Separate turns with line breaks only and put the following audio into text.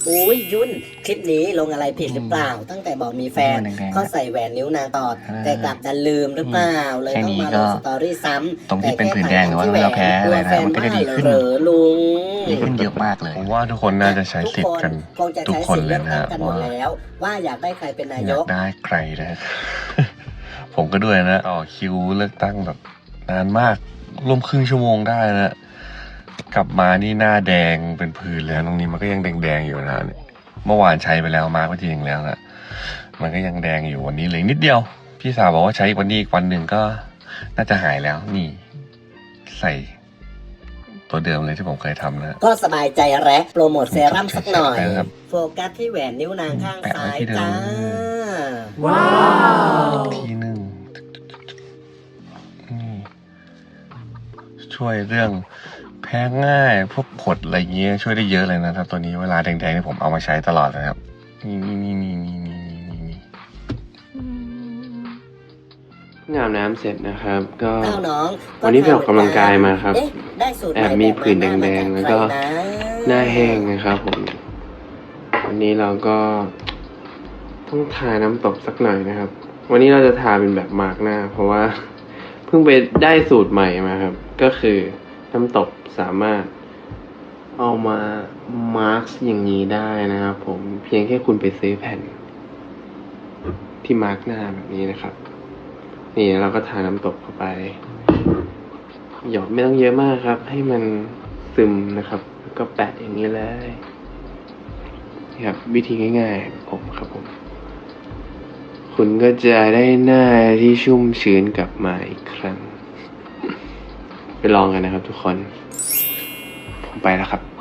อุ้ยยุ่นคลิปนี้ลงอะไรผิดหรือเปล่าตั้งแต่บอกมีแฟนก็ใส่แหวนนิ้วนางตอดแต่กลับดันลืมหรือเปล่าเลยต้องมาลงสตอรี่ซ้ำ
ตรงที่เป็นผื่นแดงหรือว่าเราแพ้อะไรนะมันก็จะดีขึ้น
ลุง
ดีขึ้นเยอะมากเลย
ผมว่าทุกคนน่าจะใช้สิทธิ์กัน
คงจะ
ทุก
ใช้
คน
สิทธิ์
เล
เลื
ย
อก
นะ
ตั้ง
ฮะ
กันหมดแล้วว่าอยากได้ใครเป็นนาย
อยาก
ก
ได้ใครนะ ผมก็ด้วยนะต่อคิวเลือกตั้งแบบนานมากร่วมครึ่งชั่วโมงได้นะกลับมานี่หน้าแดงเป็นผื่นเลยตรงนี้มันก็ยังแดงๆอยู่นะเนี่ยเมื่อวานใช้ไปแล้วมาร์กไปทีนึงแล้วนะมันก็ยังแดงอยู่วันนี้เหลือนิดเดียวพี่สาวบอกว่าใช้วันนี้อีกวันหนึ่งก็น่าจะหายแล้วนี่ใส่ตัวเดิมเลยที่ผมเคยทำนะ
ก็สบายใจแร้โปรโมทเซรั่มสักหน่อย
ครับ
โฟกัสที่แหวนนิ้วนางข้างซ้าย
แปะไว้ที่เดิม
จ้า
ว้าว
ทีหนึ่งนี่ช่วยเรื่องแพ้ง่ายพวกผดอะไรเงี้ยช่วยได้เยอะเลยนะครับตัวนี้เวลาแดงๆนี่ผมเอามาใช้ตลอดนะครับนี่
งอาบน้ำเสร็จนะครับ ก็
เอ้าน้อง
วันนี้ไปออกกำลังกายมาครับ
เอ๊ะได้สูตร
แอบมีผื่นแดงๆแล้วก็ หน้าแห้งนะครับผม วันนี้เราก็ต้องทาน้ำตบสักหน่อยนะครับ วันนี้เราจะทาเป็นแบบมาร์กหน้า เพราะว่า เพิ่งไปได้สูตรใหม่มาครับ ก็คือน้ำตบสามารถเอามามาร์กอย่างนี้ได้นะครับผมเพียงแค่คุณไปซื้อแผ่น ที่มาร์กหน้าแบบนี้นะครับ นี่เราก็ทาน้ำตบเข้าไปหยอดไม่ต้องเยอะมากครับ ให้มันซึมนะครับแล้วก็แปะอย่างนี้เลยนี่ครับวิธีง่ายๆผมครับผมคุณก็จะได้หน้าที่ชุ่มชื้นกลับมาอีกครั้ง ไปลองกันนะครับทุกคนผมไปแล้วครับ